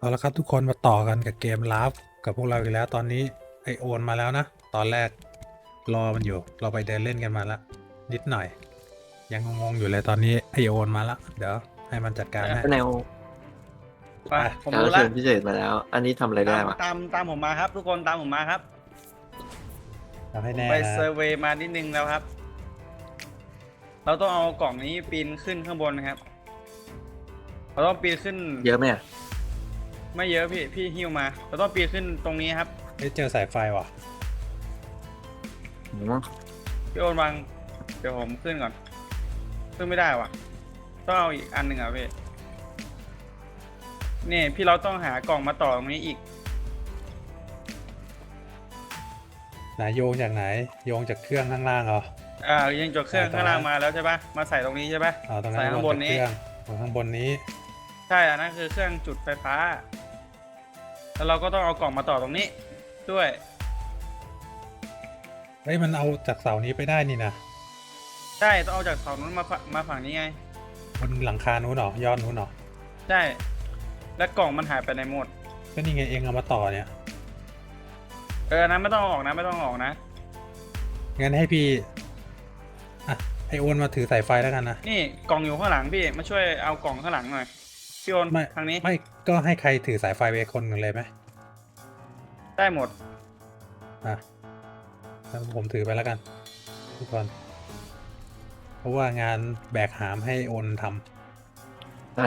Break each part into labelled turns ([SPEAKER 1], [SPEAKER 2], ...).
[SPEAKER 1] เอาละครับทุกคนมาต่อกันกับเกมลาฟกับพวกเราอีกแล้วตอนนี้ไอโอนมาแล้วนะตอนแรกรอมันอยู่เราไปเดินเล่นกันมาแล้วนิดหน่อยยังงงๆอยู่เลยตอนนี้ไอโอนมาแล้วเดี๋ยวให้มันจัดการให้
[SPEAKER 2] แนว
[SPEAKER 1] ไป
[SPEAKER 3] ผม
[SPEAKER 2] การ
[SPEAKER 3] รู้
[SPEAKER 2] เชิ
[SPEAKER 3] ละ
[SPEAKER 2] ญพิเศษมาแล้ว อันนี้ทำอะไรได้วะ
[SPEAKER 3] ตามผมมาครับ ทุกคนตามผมมาครับ
[SPEAKER 1] ทำให้แน่
[SPEAKER 3] ไป
[SPEAKER 1] นะ
[SPEAKER 3] เซอร์เวย์มานิดนึงแล้วครับ เราต้องเอากล่องนี้ปีนขึ้นข้างบนนะครับ เราต้องปีนขึ้น
[SPEAKER 2] เยอะไหมอะ
[SPEAKER 3] ไม่เยอะพี่หิ้วมา เราต้องปีนขึ้นตรงนี้ครับ
[SPEAKER 1] เจอสายไฟว่ะ
[SPEAKER 2] อืม
[SPEAKER 3] พี่โอนวางเดี๋ยวผมขึ้นก่อนขึ้นไม่ได้ว่ะต้องเอาอีกอันหนึ่งอ่ะพี่นี่พี่เราต้องหากล่องมาต่อตรงนี้อีก
[SPEAKER 1] ไหนโยงจากไหนโยงจากเครื่องข้างล่างเหรอ
[SPEAKER 3] ยังจดเครื่อง
[SPEAKER 1] ต่อ
[SPEAKER 3] ข้างล่างมาแล้วใช่ปะมาใส่ตรงนี้ใช่ปะ
[SPEAKER 1] เอาตรงนั้
[SPEAKER 3] ใส่
[SPEAKER 1] น
[SPEAKER 3] ข้างบนนี้
[SPEAKER 1] จากเครื่องข้างบนนี้
[SPEAKER 3] ใช่อันนั้นคือเครื่องจุดไฟฟ้า แล้วเราก็ต้องเอากล่องมาต่อตรงนี้ด้วย
[SPEAKER 1] เฮ้ยมันเอาจากเสานี้ไปได้นี่นะ
[SPEAKER 3] ใช่ต้องเอาจากเสานู้นมาฝั่งนี้ไง
[SPEAKER 1] บนหลังคานู้นเหรอยอดนู้นเหรอ
[SPEAKER 3] ใช่แล้วกล่องมันหายไปในหมด
[SPEAKER 1] ก็นี่ไงเองเอามาต่อเนี่ย
[SPEAKER 3] อันนั้นไม่ต้องเอาออกนะไม่ต้องเอาออกนะ
[SPEAKER 1] งั้นให้พี่อ่ะไอโอนมาถือสายไฟแล้วกันนะ
[SPEAKER 3] นี่กล่องอยู่ข้างหลังพี่มาช่วยเอากล่องข้างหลังหน่อยพี่โอน
[SPEAKER 1] ไม่
[SPEAKER 3] ทางนี้
[SPEAKER 1] ไม่ก็ให้ใครถือสายไฟไปคนหนึ่งเลยไหม
[SPEAKER 3] ได้หมด
[SPEAKER 1] อ่ะแล้วผมถือไปแล้วกันทุกคนเพราะว่างานแบกหามให้โอนท
[SPEAKER 2] อ่ะ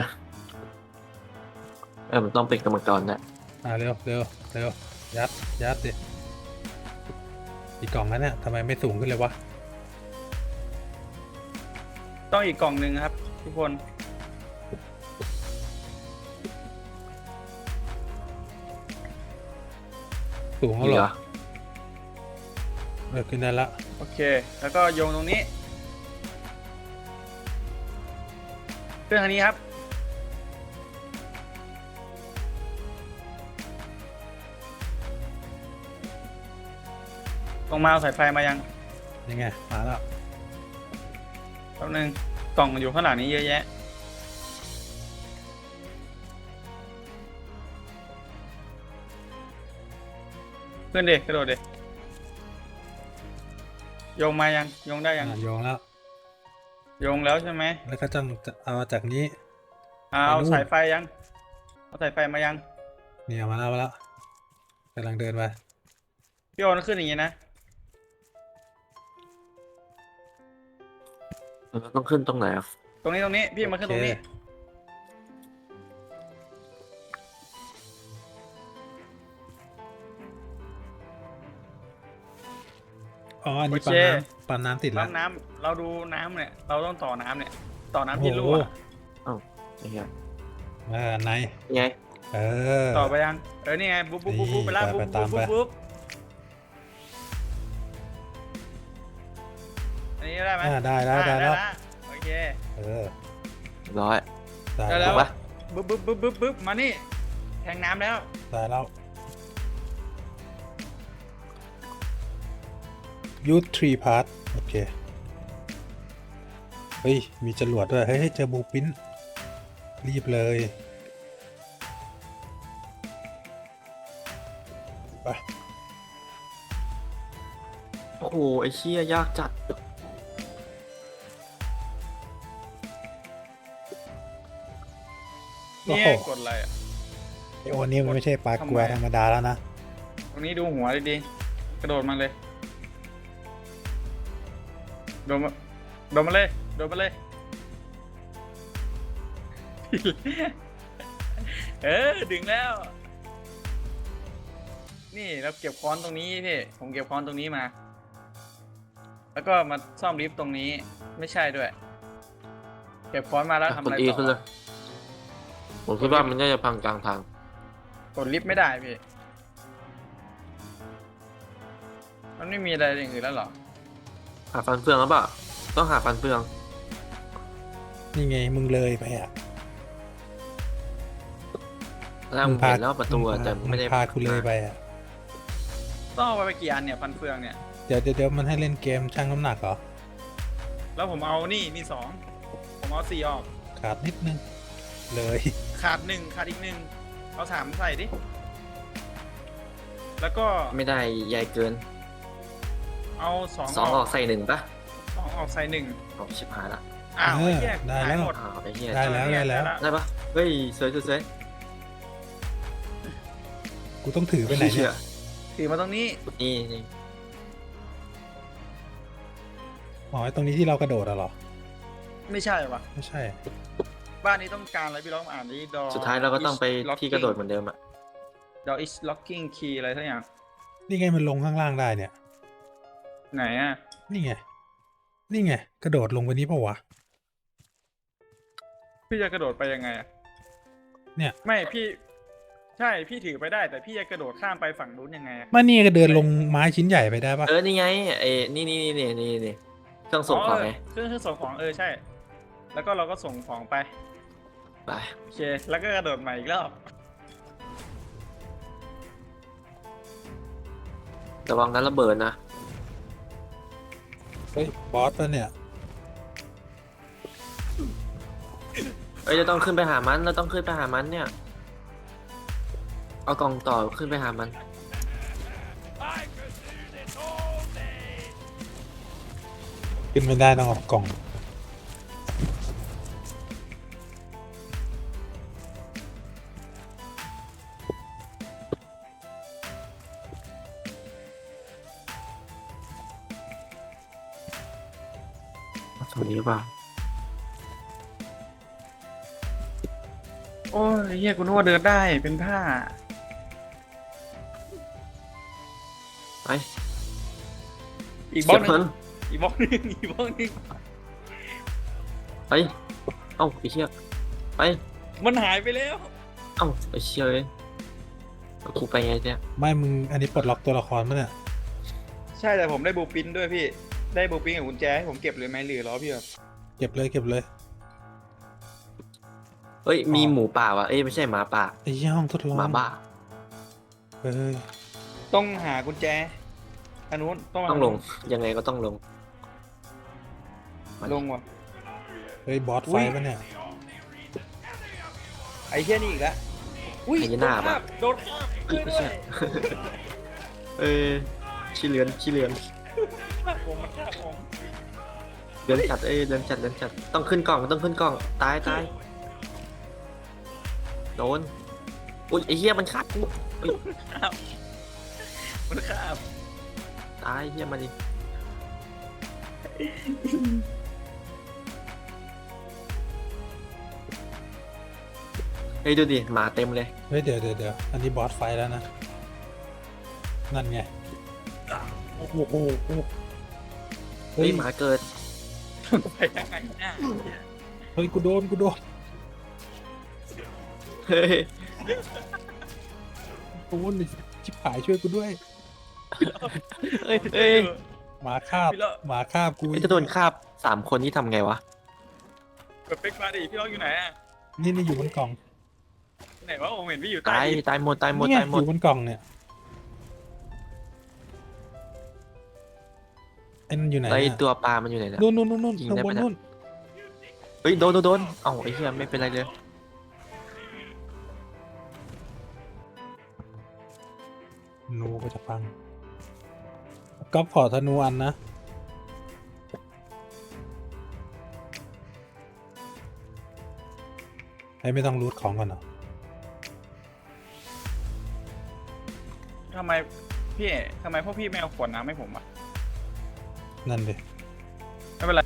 [SPEAKER 2] มันต้องเป็นกรรมกรนะ
[SPEAKER 1] ำเร็วเร็วเร็วยัดดิอีกกล่องนั้นเนี่ยทำไมไม่สูงขึ้นเลยวะ
[SPEAKER 3] ต้องอีกกล่องหนึ่งครับ ทุกคน
[SPEAKER 1] สูง
[SPEAKER 2] อี
[SPEAKER 1] แล้ว
[SPEAKER 2] ก
[SPEAKER 1] เหร
[SPEAKER 2] เหร
[SPEAKER 1] อ
[SPEAKER 2] อ
[SPEAKER 1] ขึ้นได้ละ
[SPEAKER 3] โอเค แล้วก็โยงตรงนี้เครื่องทางนี้ครับตรงมาเอาสายไฟมายัง
[SPEAKER 1] ยังไงมาแล้ว
[SPEAKER 3] แป๊บนึงกล่องอยู่ข้างหลังนี้เยอะแยะขึ้นเด็กกระโดดเด็กโยงมายังโยงได้ยัง
[SPEAKER 1] โยงแล้ว
[SPEAKER 3] โยงแล้วใช่ไหม
[SPEAKER 1] แล้วก็จะเอาจากนี้
[SPEAKER 3] เอา
[SPEAKER 1] ไปนู่น
[SPEAKER 3] สายไฟยังเอาสายไฟมายัง
[SPEAKER 1] เนี่ยมาแล้วกำลังเดินไป
[SPEAKER 3] พี่โอนขึ้นอย่างงี้นะ
[SPEAKER 2] มันต้องขึ้นตรงไหนอ่ะ
[SPEAKER 3] ตรงนี้พี่มาขึ้นตรงนี้
[SPEAKER 1] อ๋ออันนี้
[SPEAKER 3] โอ
[SPEAKER 1] ปั๊
[SPEAKER 3] เค
[SPEAKER 1] มปั๊มน้ำติดแล้
[SPEAKER 3] ปั๊
[SPEAKER 1] ว
[SPEAKER 3] มน้ำเราดูน้ำเนี่ยเราต้องต่อน้ำเนี่ยต่อน้ำที่รั่ว
[SPEAKER 2] ไอ้เหี้ย
[SPEAKER 1] อันไหน
[SPEAKER 2] ไง
[SPEAKER 1] เออ
[SPEAKER 3] ต่อไปยังนี่ไงบุ๊บไปแล้ว
[SPEAKER 1] นี่
[SPEAKER 3] บุ๊บ
[SPEAKER 1] ไปตามไป
[SPEAKER 3] บุ๊บอันนี้ได้ไหม
[SPEAKER 1] ได้แล้ว
[SPEAKER 3] ละโอเค
[SPEAKER 1] เออ
[SPEAKER 2] ร้อย
[SPEAKER 1] ได้
[SPEAKER 3] ได้
[SPEAKER 1] แล้
[SPEAKER 3] แล้ว ว
[SPEAKER 2] ปะ
[SPEAKER 3] บุ๊บมานี่แทงน้ำแล้ว
[SPEAKER 1] ได้แล้วยูทรีพาร์ทโอเคเฮ้ยมีจรวดด้วยเฮ้ยเจอบูปินรีบเลยไป
[SPEAKER 2] โอ้โหไอ้เชี่ยยากจัด
[SPEAKER 3] นี่กดอะไรอ่ะ
[SPEAKER 1] ไอโอนี่มันไม่ใช่ปลากลัวธรรมดาแล้วนะ
[SPEAKER 3] ตรงนี้ดูหัวดีๆกระโดดมาเลยโดดมาเลยดึงแล้ว นี่เราเก็บค้อนตรงนี้พี่ผมเก็บค้อนตรงนี้มา แล้วก็มาซ่อมลิฟต์ตรงนี้ไม่ใช่ด้วย เก็บค้อนมาแล้วทำ
[SPEAKER 2] ก
[SPEAKER 3] อะ
[SPEAKER 2] ด
[SPEAKER 3] ไร
[SPEAKER 2] อี
[SPEAKER 3] ต่
[SPEAKER 2] ขึ้นเล
[SPEAKER 3] อย
[SPEAKER 2] ผมคิดว่ามันน่าจะพังกลางทาง
[SPEAKER 3] กดลิฟต์ไม่ได้พี่มันไม่มีอะไรอย่างอื่นแล้วเหรอ
[SPEAKER 2] หาฟันเฟืองหรือเปล่าต้องหาฟันเฟือง
[SPEAKER 1] นี่ไงมึงเลยไปอ่ะ
[SPEAKER 2] แล้วผมเห็นแล้วประตูอะแต่ไม่ได้
[SPEAKER 1] พากูเลยไปอ่ะ
[SPEAKER 3] ต้องเอาไปกี่อันเนี่ยฟันเฟืองเนี่ย
[SPEAKER 1] เดี๋ยวมันให้เล่นเกมชั่งน้ำหนักเหรอ
[SPEAKER 3] แล้วผมเอานี่มีสองผมเอา4ออก
[SPEAKER 1] ขาดนิดนึงเลย
[SPEAKER 3] ขาด1ขาดอีก1 เอาสามใส่ดิแล้วก็
[SPEAKER 2] ไม่ได้ใหญ่เกิน
[SPEAKER 3] เอาสอง
[SPEAKER 2] สองออกใส่หนึ่งปะ
[SPEAKER 3] สองออกใส่หนึ่ง
[SPEAKER 2] ออกชิบหายละ
[SPEAKER 3] อ้าว
[SPEAKER 1] เออ
[SPEAKER 3] ไอ้เหี้ย
[SPEAKER 1] ได้แล้ว
[SPEAKER 3] หายหมด
[SPEAKER 2] อ้าวไอ้เหี้ย
[SPEAKER 1] ได้แล้วได้แล้ว
[SPEAKER 2] ได้ปะเฮ้ยสวยสวยสวย
[SPEAKER 1] กูต้องถือไปไหนเนี่ย
[SPEAKER 3] ถือมาตรงนี้
[SPEAKER 2] นี่นี่
[SPEAKER 1] อ๋อไอ้ตรงนี้ที่เรากระโดดอะเหรอ
[SPEAKER 3] ไม่ใช่ปะ
[SPEAKER 1] ไม่ใช่
[SPEAKER 3] บ้านนี้ต้องการอะไรพี่ลองอ่านดิดอ
[SPEAKER 2] สุดท้ายเราก็ต้องไปที่กระโดดเหมือนเดิมอะ
[SPEAKER 3] ดอ is locking key อะไรสักอย่าง
[SPEAKER 1] นี่ไงมันลงข้างล่างได้เนี่ย
[SPEAKER 3] ไหนอ่ะ
[SPEAKER 1] นี่ไง นี่ไง กระโดดลงไปนี้เปล่าวะ
[SPEAKER 3] พี่จะกระโดดไปยังไงอ่ะ
[SPEAKER 1] เนี่ย
[SPEAKER 3] ไม่พี่ ใช่พี่ถือไปได้แต่พี่จะกระโดดข้ามไปฝั่งนู้นยังไงอะ
[SPEAKER 1] มานี่ก็เดินลงไม้ชิ้นใหญ่ไปได้ปะ
[SPEAKER 2] นี่ไงไอ้นี่เครื่องส่งของไง
[SPEAKER 3] เครื่องส่งของใช่ แล้วก็เราก็ส่งของไป
[SPEAKER 2] ไป
[SPEAKER 3] โอเค แล้วก็กระโดดใหม่อีกรอบ
[SPEAKER 2] ระวังนั้นระเบิดนะ
[SPEAKER 1] เฮ้ยบอสปะเนี่ย
[SPEAKER 2] เอ้ยเราต้องขึ้นไปหามันเราต้องขึ้นไปหามันเนี่ยเอากล่องต่อขึ้นไปหามัน
[SPEAKER 1] ขึ้นไม่ได้ต้องออกกล่อง
[SPEAKER 2] ตรงนี้หรือเปล่า
[SPEAKER 3] โอ้ยเฮียกูนึกว่าเดินได้เป็นผ้า
[SPEAKER 2] ไป
[SPEAKER 3] อีกบล็อกห
[SPEAKER 2] เสีย
[SPEAKER 3] นึ
[SPEAKER 2] บ
[SPEAKER 3] งอีกบล็อกหนึงอีกบล็อกหนึง
[SPEAKER 2] ไปเอ้าไอ้เชี่ยไป
[SPEAKER 3] มันหายไปแล้ว
[SPEAKER 2] เอ้าไอ้เชี่ยเลยเอากูไปไงเนี่ย
[SPEAKER 1] ไม่มึงอันนี้ปลดล็อกตัวละครมั้ยเนี่ย
[SPEAKER 3] ใช่แต่ผมได้บูปินด้วยพี่ ได้บูปินกับกุญแจให้ผมเก็บเลยไหมหรือรอพี่แบบ
[SPEAKER 1] เก็บเลยเก็บเลย
[SPEAKER 2] เฮ้ยมีหมูป่าวะเอ้ยไม่ใช่หมาป่า
[SPEAKER 1] ไอ้ยี่ห้องทดลอง
[SPEAKER 2] หมาบ้า
[SPEAKER 1] เฮ้ย
[SPEAKER 3] ต้องหากุญแจอันนู้นต้อง
[SPEAKER 2] ต้องลงยังไงก็ต้องลง
[SPEAKER 3] ลงว่ะ
[SPEAKER 1] เฮ้ยบอส
[SPEAKER 3] อุ๊
[SPEAKER 1] ไฟ
[SPEAKER 3] ย
[SPEAKER 1] ปะเนี่ย
[SPEAKER 3] ไอ้เหี้ยนี่อีกแล้วอุ้ย
[SPEAKER 2] ไอ้หน้าปะ
[SPEAKER 3] โดนคาบ
[SPEAKER 2] เฮ้ยไม่ใช่ เออขี้เลือน
[SPEAKER 3] ผมมันฆ่าผม
[SPEAKER 2] เลือนจัดเลือนจัดต้องขึ้นกล่องตายโดนอุ้ยไอ้เหี้ยมันคัดกูอุ้ย
[SPEAKER 3] มันฆ่าบ
[SPEAKER 2] ตายเหี้ยมันดิเฮ้ยดูดิหมาเต็มเลย
[SPEAKER 1] เฮ้ยเดี๋ยวอันนี้บอสไฟแล้วนะ นั่นไง โอ้โหเฮ้
[SPEAKER 2] เฮ้ย
[SPEAKER 1] ย
[SPEAKER 2] หมาเกิด
[SPEAKER 3] ไปยังไงเนี่ย
[SPEAKER 1] เฮ้ยกูโดน
[SPEAKER 2] เฮ้ย
[SPEAKER 1] โดนชิบหายช่วยกูด้วย
[SPEAKER 2] เฮ้ย
[SPEAKER 1] หมาคาบ หมาคาบกู
[SPEAKER 2] จะโดนคาบ3 คนนี่ทำไงวะ
[SPEAKER 3] เปิดเป็กมาดิพี่ล็อกอยู่ไหนอะ
[SPEAKER 1] นี่อยู่บนกล่อง
[SPEAKER 3] ไหนวะผมเห็นพี่อยู่ใต้
[SPEAKER 2] ตาย
[SPEAKER 3] ดิน
[SPEAKER 2] ตายหมด
[SPEAKER 1] นี่ไงอยู่บนกล่องเนี่ยไอ้นั่นอยู่ไหน
[SPEAKER 2] ไอ
[SPEAKER 1] เนี่ย
[SPEAKER 2] ตัวปลามันอยู่ไหนเนี่ย
[SPEAKER 1] นู่น
[SPEAKER 2] ยิง
[SPEAKER 1] ข้าง
[SPEAKER 2] ได้
[SPEAKER 1] บ
[SPEAKER 2] ปะ
[SPEAKER 1] น
[SPEAKER 2] เนี่ย
[SPEAKER 1] นู่น
[SPEAKER 2] เฮ้ยโดนเอ้าไอ้เหี้ยไม่เป็นไรเลย
[SPEAKER 1] ธนูก็จะพังก๊อฟขอธนูอันนะให้ไม่ต้องรูทของก่อนเหรอ
[SPEAKER 3] ทำไมพี่ทำไมพวกพี่ไม่เอาขวดน้ำให้ผมอะ
[SPEAKER 1] นั่นดิ
[SPEAKER 3] ไม่เป็นไร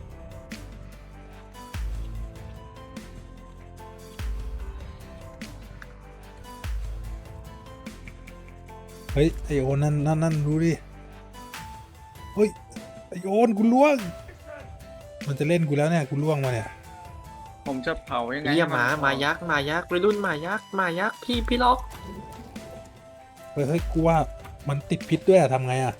[SPEAKER 1] เฮ้ยไอโอนนั่นดูดิเฮ้ยไอโอนกูล่วง มันจะเล่นกูแล้วเนี่ยกูล่วงมาเนี่ย
[SPEAKER 3] ผมจะเผายังไง
[SPEAKER 2] เหี้ย
[SPEAKER 3] ให้
[SPEAKER 2] หมายักษ์วัยรุ่นหมายักษ์พี่ล็อก
[SPEAKER 1] เฮ้ยกูว่ามันติดพิษด้วยอะทำไงอะ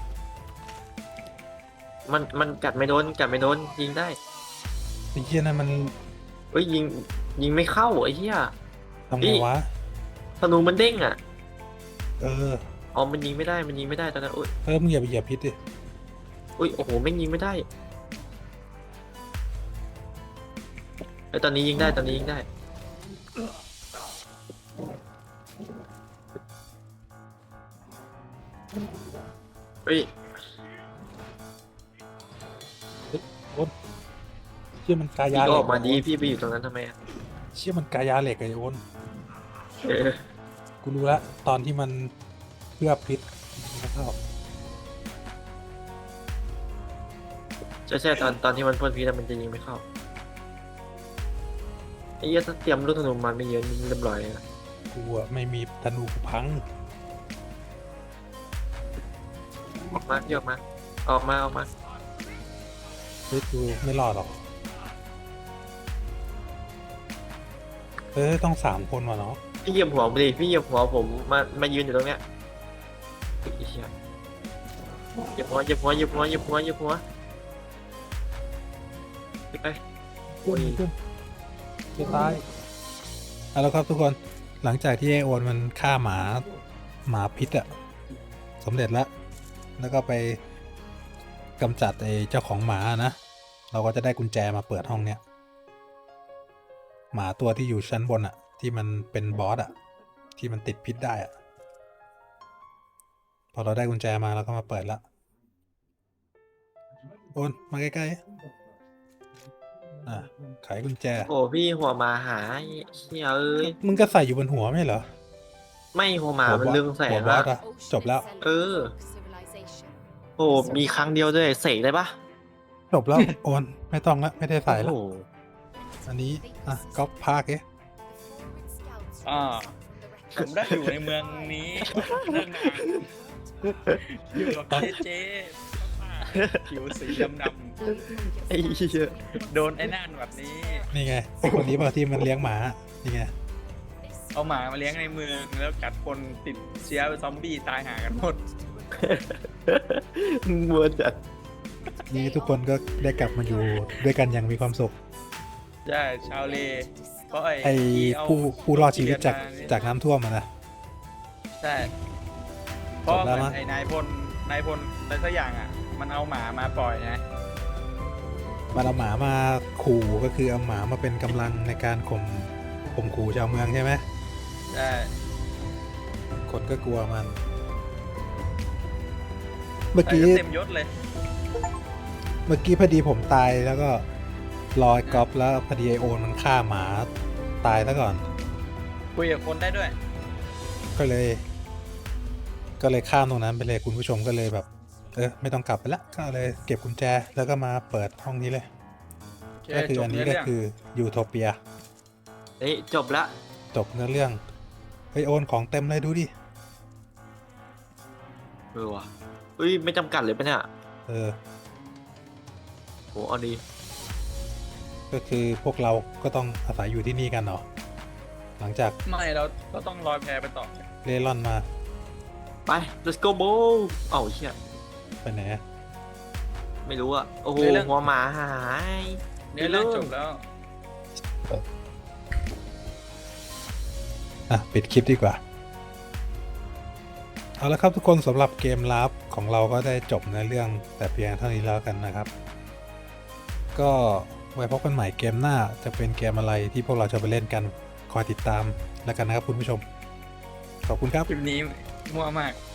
[SPEAKER 2] มันกัดไม่โดนยิงได้
[SPEAKER 1] ไอ้เหี้ยนั่นมัน
[SPEAKER 2] เฮ้ยยิงไม่เข้าไอ้เหี้ย
[SPEAKER 1] ทำไงวะ
[SPEAKER 2] ธนูมันเด้งอ่ะ
[SPEAKER 1] เออ
[SPEAKER 2] อ๋อมันยิงไม่ได้ตอนนั้นอุ้ย
[SPEAKER 1] มึงอย่าไปเหยียบพิษดิ
[SPEAKER 2] อุ้ยโอ้โหแม่งยิงไม่ได้ไอ้ยตอนนี้ยิงได้เฮ้ย
[SPEAKER 1] โอนเชี่ยมันกายา
[SPEAKER 2] พี่
[SPEAKER 1] เห
[SPEAKER 2] ก็
[SPEAKER 1] ล็
[SPEAKER 2] อก อกมาดีพี่ไปอยู่ตรงนั้นทำไมอะ
[SPEAKER 1] เชี่ยมันกายาเหล็กไอ้โอน
[SPEAKER 2] เออ
[SPEAKER 1] กูรู้ละตอนที่มันเพื่อพิษนะครับ
[SPEAKER 2] ใช่ตอนที่มันพ่นพิษอะมันจะยิงไม่เข้าไอ้เหี้ยถ้าเตรียมลูกธนูมันไม่เยอะนี่เรียบร้อยเลยนะ
[SPEAKER 1] กูอะไม่มีธนูกูพัง
[SPEAKER 2] ออกมาพี่ออกมาออกมา
[SPEAKER 1] เฮ้ยกูไม่รอดหรอกต้อง3 คนว่ะเนาะ
[SPEAKER 2] พี่เหยียบหัวผมดิพี่เหยียบหัวผมมายืนอยู่ตรงเนี้ยไอ้เหี้ยเหยียบหัวไป
[SPEAKER 1] ขึ้นจะตายเอาแล้วครับทุกคนหลังจากที่ไอโอนมันฆ่าหมาพิษอะสำเร็จแล้วก็ไปกำจัดไอ้เจ้าของหมานะ เราก็จะได้กุญแจมาเปิดห้องเนี้ยหมาตัวที่อยู่ชั้นบนอะที่มันเป็นบอสอะที่มันติดพิษได้อะพอเราได้กุญแจมาเราก็มาเปิดละโอนมาใกล้ๆไขกุญแจ
[SPEAKER 2] โอ้พี่หัวหมาหายเชี่ยเอ้ย
[SPEAKER 1] มึงก็ใส่อยู่บนหัวไม่เหรอ
[SPEAKER 2] ไม่หัวหมามันลึงแส
[SPEAKER 1] หัว
[SPEAKER 2] ง
[SPEAKER 1] บอ
[SPEAKER 2] อะ
[SPEAKER 1] สอะจบแล้ว
[SPEAKER 2] เออ โอ้มีครั้งเดียวด้วยเสกได้ปะ
[SPEAKER 1] จบแล้ว โอนไม่ต้องละไม่ได้ใส่แล้ว
[SPEAKER 2] โอ้โห
[SPEAKER 1] อันนี้ก๊อปภาคเอ๊ะ
[SPEAKER 3] ผมได้อยู่ในเมืองนี้เรื่องนานอยู่กับเจ๊ผิวสีดำ
[SPEAKER 2] ไอ้เหี้ย
[SPEAKER 3] ๆโดนไอ้นั่นแบบนี้
[SPEAKER 1] นี่ไงไอคนนี้ป่ะที่มันเลี้ยงหมา นี่ไง
[SPEAKER 3] เอาหมามาเลี้ยงในเมืองแล้วกัดคนติดเชื้อซอมบี้ตายหากันหมด
[SPEAKER 2] มัวจัด
[SPEAKER 1] นี่ทุกคนก็ได้กลับมาอยู่ด้วยกันอย่างมีความสุข
[SPEAKER 3] ใช่ชาวเลเพราะ
[SPEAKER 1] ไอ
[SPEAKER 3] ที่เา
[SPEAKER 1] ผู้รอดชีวิตจาก
[SPEAKER 3] เรียนม
[SPEAKER 1] จากน้ำท่วมอะนะ
[SPEAKER 3] ใช่เพราะ
[SPEAKER 1] จบแล้ว
[SPEAKER 3] เหมือ
[SPEAKER 1] มั้
[SPEAKER 3] น
[SPEAKER 1] ย
[SPEAKER 3] ไอ้นายพลอะไรสักอย่างอ่ะ มันเอาหมามาปล่อยไง
[SPEAKER 1] มันเอาหมามาขู่ก็คือเอาหมามาเป็นกำลังในการข่มขู่ชาวเมืองใช่ไหม
[SPEAKER 3] ใช่
[SPEAKER 1] คนก็กลัวมัน เมื่อ
[SPEAKER 3] ใส่
[SPEAKER 1] กี้
[SPEAKER 3] ก็เต็มยศเลย
[SPEAKER 1] พอดีผมตายแล้วก็รอยก๊อปแล้วพอดีไอโอนมันฆ่าหมาตายซะก่อน
[SPEAKER 3] คุยกับคนได้ด้วย
[SPEAKER 1] ก็เลยข้ามตรงนั้นไปเลยคุณผู้ชมก็เลยแบบ ไม่ต้องกลับไปละก็เลยเก็บกุญแจแล้วก็มาเปิดห้องนี้เลย ก็คืออันนี้ก็คือยูโทเปีย
[SPEAKER 2] เฮ้ยจบละ
[SPEAKER 1] จบเนื้อเรื่องไอโอนของเต็มเลยดูดิ
[SPEAKER 2] เออว่ะอุ้ยไม่จำกัดเลยปะเนี่ย
[SPEAKER 1] เออ
[SPEAKER 2] โหเอาดี
[SPEAKER 1] ก็คือพวกเราก็ต้องอาศัยอยู่ที่นี่กันเนาะหลังจาก
[SPEAKER 3] ไม่เราต้องลอยแพไปต่อ
[SPEAKER 1] เล่ร่อนมา
[SPEAKER 2] ไป let's go bro เอ้าเชี่ย
[SPEAKER 1] ไปไหนอะ
[SPEAKER 2] ไม่รู้อะโอ้โหหัวหมาหาย
[SPEAKER 3] เนี่ยเรื่องจบแล้ว
[SPEAKER 1] ปิดคลิปดีกว่า เอาละครับทุกคนสำหรับเกมลับของเราก็ได้จบในเรื่องแต่เพียงเท่านี้แล้วกันนะครับ ก็ไว้พบกันใหม่เกมหน้าจะเป็นเกมอะไรที่พวกเราจะไปเล่นกันคอยติดตามแล้วกันนะครับคุณผู้ชม ขอบคุณครับ
[SPEAKER 3] คลิปนี้มั่วมาก